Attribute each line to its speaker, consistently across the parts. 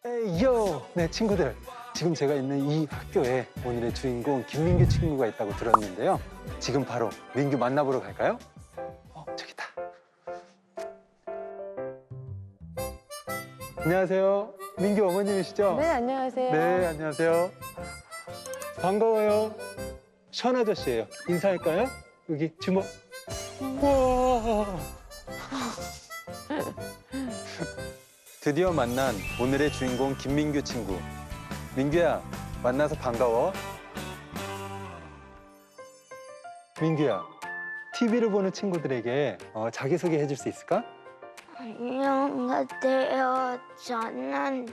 Speaker 1: 에이요! 네, 친구들. 지금 제가 있는 이 학교에 오늘의 주인공 김민규 친구가 있다고 들었는데요. 지금 바로 민규 만나보러 갈까요? 저기다. 안녕하세요. 민규 어머님이시죠?
Speaker 2: 네, 안녕하세요.
Speaker 1: 네, 안녕하세요. 반가워요. 션 아저씨예요. 인사할까요? 여기 주먹. 우와. 드디어 만난 오늘의 주인공 김민규 친구. 민규야, 만나서 반가워. 민규야, TV를 보는 친구들에게 자기소개 해줄 수 있을까?
Speaker 3: 안녕하세요. 저는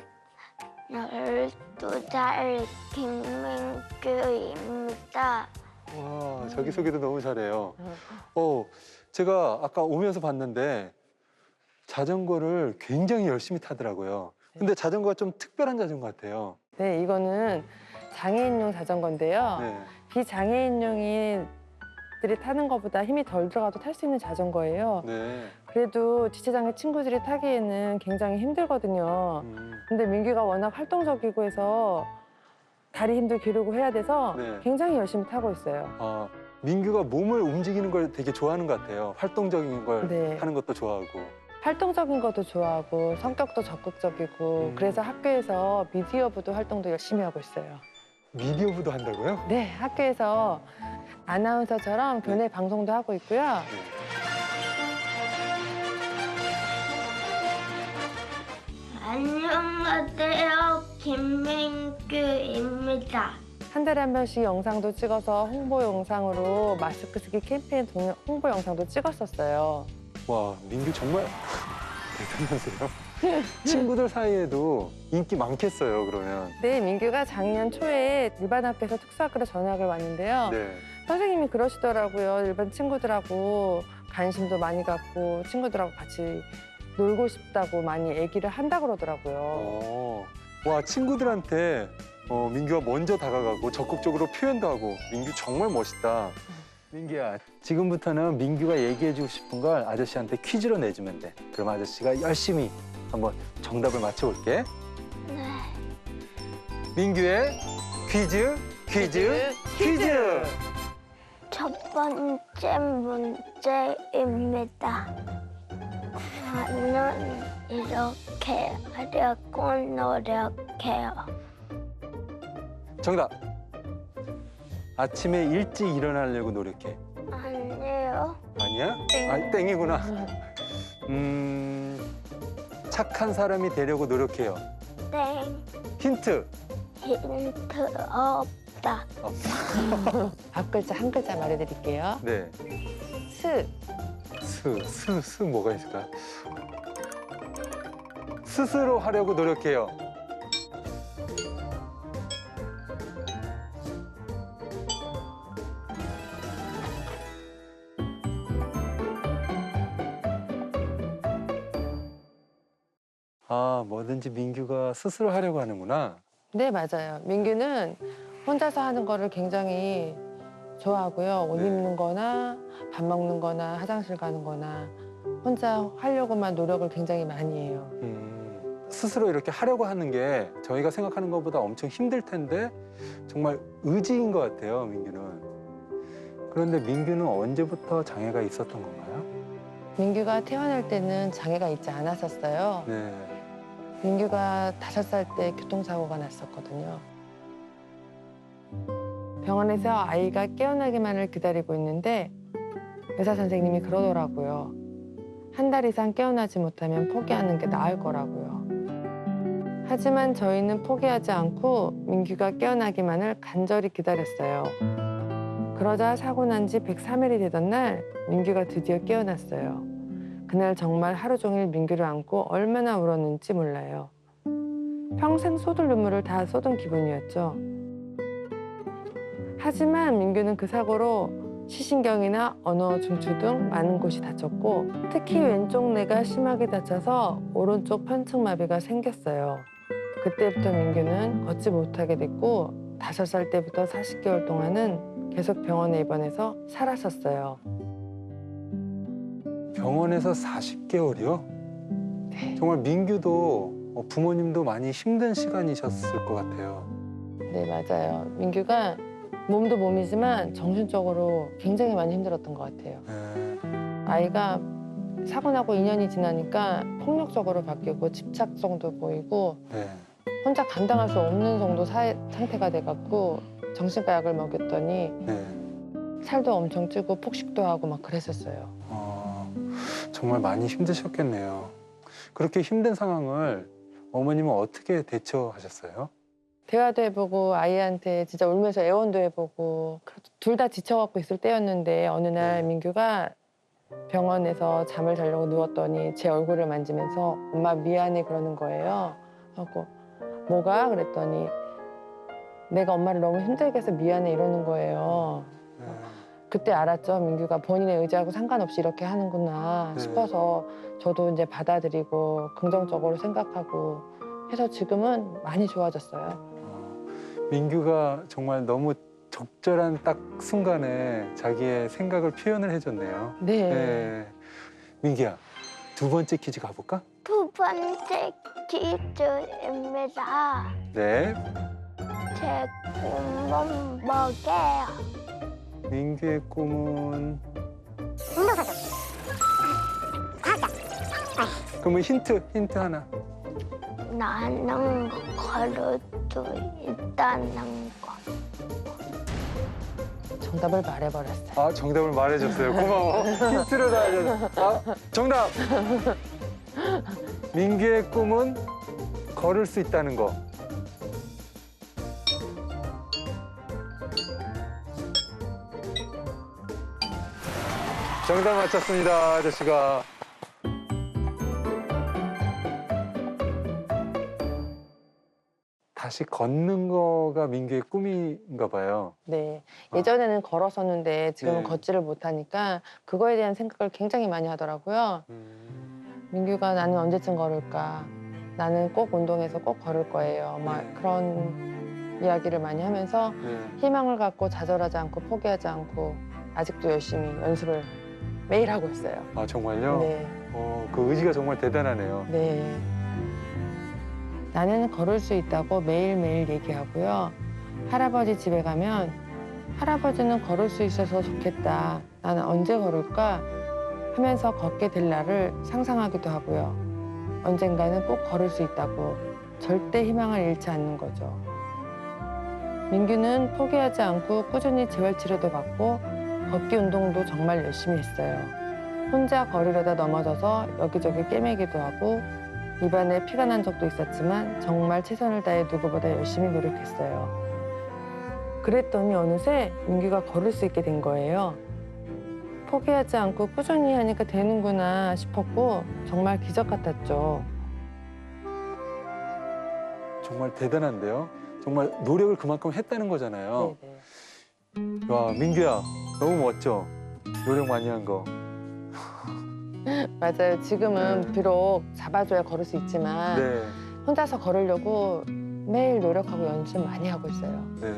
Speaker 3: 12살 김민규입니다.
Speaker 1: 와, 자기소개도 너무 잘해요. 제가 아까 오면서 봤는데 자전거를 굉장히 열심히 타더라고요. 근데 자전거가 좀 특별한 자전거 같아요.
Speaker 2: 네, 이거는 장애인용 자전거인데요.
Speaker 1: 네.
Speaker 2: 비장애인용이들이 타는 것보다 힘이 덜 들어가도 탈 수 있는 자전거예요.
Speaker 1: 네.
Speaker 2: 그래도 지체장애 친구들이 타기에는 굉장히 힘들거든요. 근데 민규가 워낙 활동적이고 해서 다리 힘도 기르고 해야 돼서
Speaker 1: 네.
Speaker 2: 굉장히 열심히 타고 있어요.
Speaker 1: 민규가 몸을 움직이는 걸 되게 좋아하는 것 같아요. 활동적인 걸
Speaker 2: 네.
Speaker 1: 하는 것도 좋아하고.
Speaker 2: 활동적인 것도 좋아하고 성격도 적극적이고 그래서 학교에서 미디어부도 활동도 열심히 하고 있어요.
Speaker 1: 미디어부도 한다고요?
Speaker 2: 네, 학교에서 아나운서처럼 교내 방송도 하고 있고요.
Speaker 1: 네.
Speaker 3: 안녕하세요. 김민규입니다.
Speaker 2: 한 달에 한 번씩 영상도 찍어서 홍보 영상으로 마스크 쓰기 캠페인 홍보 영상도 찍었었어요.
Speaker 1: 와, 민규 정말 대단하세요. 친구들 사이에도 인기 많겠어요, 그러면.
Speaker 2: 네, 민규가 작년 초에 일반 학교에서 특수학교로 전학을 왔는데요.
Speaker 1: 네.
Speaker 2: 선생님이 그러시더라고요. 일반 친구들하고 관심도 많이 갖고 친구들하고 같이 놀고 싶다고 많이 얘기를 한다 그러더라고요.
Speaker 1: 와, 친구들한테 민규가 먼저 다가가고 적극적으로 표현도 하고 민규 정말 멋있다. 민규야, 지금부터는 민규가 얘기해주고 싶은 걸 아저씨한테 퀴즈로 내주면 돼. 그럼 아저씨가 열심히 한번 정답을 맞춰볼게.
Speaker 3: 네.
Speaker 1: 민규의 퀴즈.
Speaker 3: 첫 번째 문제입니다. 나는 이렇게 하려고 노력해요.
Speaker 1: 정답. 아침에 일찍 일어나려고 노력해.
Speaker 3: 아니요.
Speaker 1: 아니야?
Speaker 3: 땡.
Speaker 1: 땡이구나. 착한 사람이 되려고 노력해요.
Speaker 3: 땡.
Speaker 1: 힌트.
Speaker 3: 힌트 없다.
Speaker 2: 앞 글자 한 글자 말해드릴게요.
Speaker 1: 네.
Speaker 2: 스.
Speaker 1: 뭐가 있을까? 스스로 하려고 노력해요. 뭐든지 민규가 스스로 하려고 하는구나.
Speaker 2: 네, 맞아요. 민규는 혼자서 하는 거를 굉장히 좋아하고요. 옷
Speaker 1: 네.
Speaker 2: 입는 거나 밥 먹는 거나 화장실 가는 거나 혼자 하려고만 노력을 굉장히 많이 해요.
Speaker 1: 스스로 이렇게 하려고 하는 게 저희가 생각하는 것보다 엄청 힘들 텐데 정말 의지인 것 같아요, 민규는. 그런데 민규는 언제부터 장애가 있었던 건가요?
Speaker 2: 민규가 태어날 때는 장애가 있지 않았었어요.
Speaker 1: 네.
Speaker 2: 민규가 5살 때 교통사고가 났었거든요. 병원에서 아이가 깨어나기만을 기다리고 있는데 의사 선생님이 그러더라고요. 한 달 이상 깨어나지 못하면 포기하는 게 나을 거라고요. 하지만 저희는 포기하지 않고 민규가 깨어나기만을 간절히 기다렸어요. 그러자 사고 난 지 103일이 되던 날 민규가 드디어 깨어났어요. 그날 정말 하루 종일 민규를 안고 얼마나 울었는지 몰라요. 평생 쏟을 눈물을 다 쏟은 기분이었죠. 하지만 민규는 그 사고로 시신경이나 언어 중추 등 많은 곳이 다쳤고 특히 왼쪽 뇌가 심하게 다쳐서 오른쪽 편측마비가 생겼어요. 그때부터 민규는 걷지 못하게 됐고 5살 때부터 40개월 동안은 계속 병원에 입원해서 살았었어요.
Speaker 1: 병원에서 40개월이요?
Speaker 2: 네.
Speaker 1: 정말 민규도 부모님도 많이 힘든 시간이셨을 것 같아요.
Speaker 2: 네, 맞아요. 민규가 몸도 몸이지만 정신적으로 굉장히 많이 힘들었던 것 같아요.
Speaker 1: 네.
Speaker 2: 아이가 사고 나고 2년이 지나니까 폭력적으로 바뀌고 집착성도 보이고
Speaker 1: 네.
Speaker 2: 혼자 감당할 수 없는 정도 상태가 돼갖고 정신과 약을 먹였더니
Speaker 1: 네.
Speaker 2: 살도 엄청 찌고 폭식도 하고 막 그랬었어요.
Speaker 1: 정말 많이 힘드셨겠네요. 그렇게 힘든 상황을 어머님은 어떻게 대처하셨어요?
Speaker 2: 대화도 해보고 아이한테 진짜 울면서 애원도 해보고 둘 다 지쳐갖고 있을 때였는데 어느 날
Speaker 1: 네.
Speaker 2: 민규가 병원에서 잠을 자려고 누웠더니 제 얼굴을 만지면서 엄마 미안해 그러는 거예요. 하고 뭐가? 그랬더니 내가 엄마를 너무 힘들게 해서 미안해 이러는 거예요.
Speaker 1: 네.
Speaker 2: 그때 알았죠. 민규가 본인의 의지하고 상관없이 이렇게 하는구나
Speaker 1: 네.
Speaker 2: 싶어서 저도 이제 받아들이고 긍정적으로 생각하고 해서 지금은 많이 좋아졌어요.
Speaker 1: 민규가 정말 너무 적절한 딱 순간에 자기의 생각을 표현을 해줬네요.
Speaker 2: 네.
Speaker 1: 네. 민기야, 두 번째 퀴즈 가볼까?
Speaker 3: 두 번째 퀴즈입니다.
Speaker 1: 네.
Speaker 3: 제 꿈은 뭐게요?
Speaker 1: 민규의 꿈은 그러면 힌트 하나.
Speaker 3: 나는 걸을 수 있다는 거.
Speaker 2: 정답을 말해버렸어요.
Speaker 1: 아, 정답을 말해줬어요. 고마워. 힌트를 다 알려줘. 정답. 민규의 꿈은 걸을 수 있다는 거. 정답 맞췄습니다, 아저씨가. 다시 걷는 거가 민규의 꿈인가 봐요.
Speaker 2: 네. 예전에는 걸었었는데 지금은
Speaker 1: 네.
Speaker 2: 걷지를 못하니까 그거에 대한 생각을 굉장히 많이 하더라고요. 민규가 나는 언제쯤 걸을까? 나는 꼭 운동해서 꼭 걸을 거예요. 막
Speaker 1: 네.
Speaker 2: 그런 이야기를 많이 하면서
Speaker 1: 네.
Speaker 2: 희망을 갖고 좌절하지 않고 포기하지 않고 아직도 열심히 연습을 매일 하고 있어요.
Speaker 1: 아, 정말요?
Speaker 2: 네.
Speaker 1: 그 의지가 정말 대단하네요.
Speaker 2: 네. 나는 걸을 수 있다고 매일매일 얘기하고요. 할아버지 집에 가면 할아버지는 걸을 수 있어서 좋겠다. 나는 언제 걸을까? 하면서 걷게 될 날을 상상하기도 하고요. 언젠가는 꼭 걸을 수 있다고 절대 희망을 잃지 않는 거죠. 민규는 포기하지 않고 꾸준히 재활치료도 받고 걷기 운동도 정말 열심히 했어요. 혼자 걸으려다 넘어져서 여기저기 꿰매기도 하고 입안에 피가 난 적도 있었지만 정말 최선을 다해 누구보다 열심히 노력했어요. 그랬더니 어느새 민규가 걸을 수 있게 된 거예요. 포기하지 않고 꾸준히 하니까 되는구나 싶었고 정말 기적 같았죠.
Speaker 1: 정말 대단한데요. 정말 노력을 그만큼 했다는 거잖아요.
Speaker 2: 네네.
Speaker 1: 와, 민규야, 너무 멋져. 노력 많이 한 거.
Speaker 2: 맞아요. 지금은
Speaker 1: 네.
Speaker 2: 비록 잡아줘야 걸을 수 있지만
Speaker 1: 네.
Speaker 2: 혼자서 걸으려고 매일 노력하고 연습 많이 하고 있어요.
Speaker 1: 네.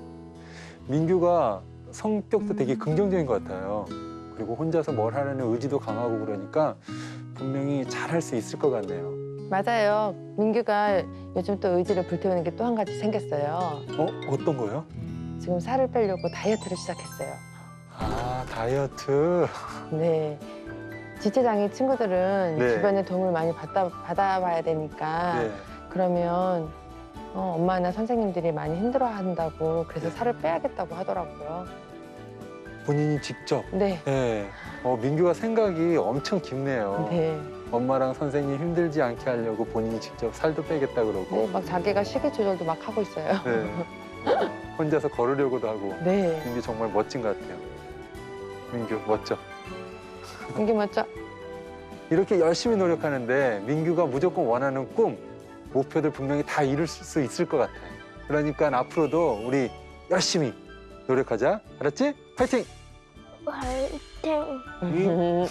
Speaker 1: 민규가 성격도 되게 긍정적인 것 같아요. 그리고 혼자서 뭘 하려는 의지도 강하고 그러니까 분명히 잘할 수 있을 것 같네요.
Speaker 2: 맞아요. 민규가 요즘 또 의지를 불태우는 게 또 한 가지 생겼어요.
Speaker 1: 어떤 거요?
Speaker 2: 지금 살을 빼려고 다이어트를 시작했어요.
Speaker 1: 아, 다이어트.
Speaker 2: 네. 지체장애 친구들은
Speaker 1: 네.
Speaker 2: 주변에 도움을 많이 받아봐야 되니까
Speaker 1: 네.
Speaker 2: 그러면 엄마나 선생님들이 많이 힘들어한다고 그래서
Speaker 1: 네.
Speaker 2: 살을 빼야겠다고 하더라고요.
Speaker 1: 본인이 직접.
Speaker 2: 네.
Speaker 1: 네. 민규가 생각이 엄청 깊네요.
Speaker 2: 네.
Speaker 1: 엄마랑 선생님 힘들지 않게 하려고 본인이 직접 살도 빼겠다 그러고.
Speaker 2: 네. 막 자기가 식이 조절도 막 하고 있어요.
Speaker 1: 네. 혼자서 걸으려고도 하고.
Speaker 2: 네.
Speaker 1: 민규 정말 멋진 것 같아요. 민규 멋져.
Speaker 2: 민규 멋져.
Speaker 1: 이렇게 열심히 노력하는데 민규가 무조건 원하는 꿈, 목표들 분명히 다 이룰 수 있을 것 같아요. 그러니까 앞으로도 우리 열심히 노력하자. 알았지? 파이팅!
Speaker 3: 화이팅!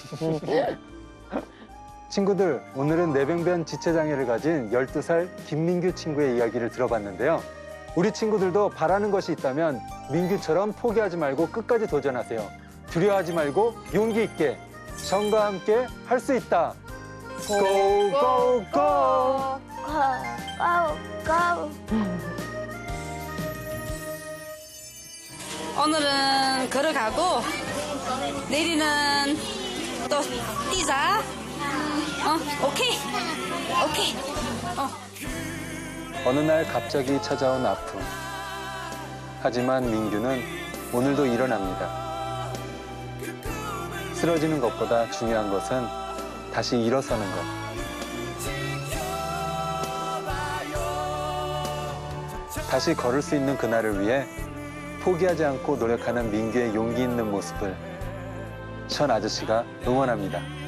Speaker 1: 친구들, 오늘은 뇌병변 지체장애를 가진 12살 김민규 친구의 이야기를 들어봤는데요. 우리 친구들도 바라는 것이 있다면 민규처럼 포기하지 말고 끝까지 도전하세요. 두려워하지 말고 용기 있게 정과 함께 할 수 있다. 고! 고! 고!
Speaker 3: 가고.
Speaker 4: 오늘은 걸어가고 내일은 또 뛰자. 오케이. 오케이.
Speaker 1: 어느 날 갑자기 찾아온 아픔. 하지만 민규는 오늘도 일어납니다. 쓰러지는 것보다 중요한 것은 다시 일어서는 것. 다시 걸을 수 있는 그날을 위해 포기하지 않고 노력하는 민규의 용기 있는 모습을 션 아저씨가 응원합니다.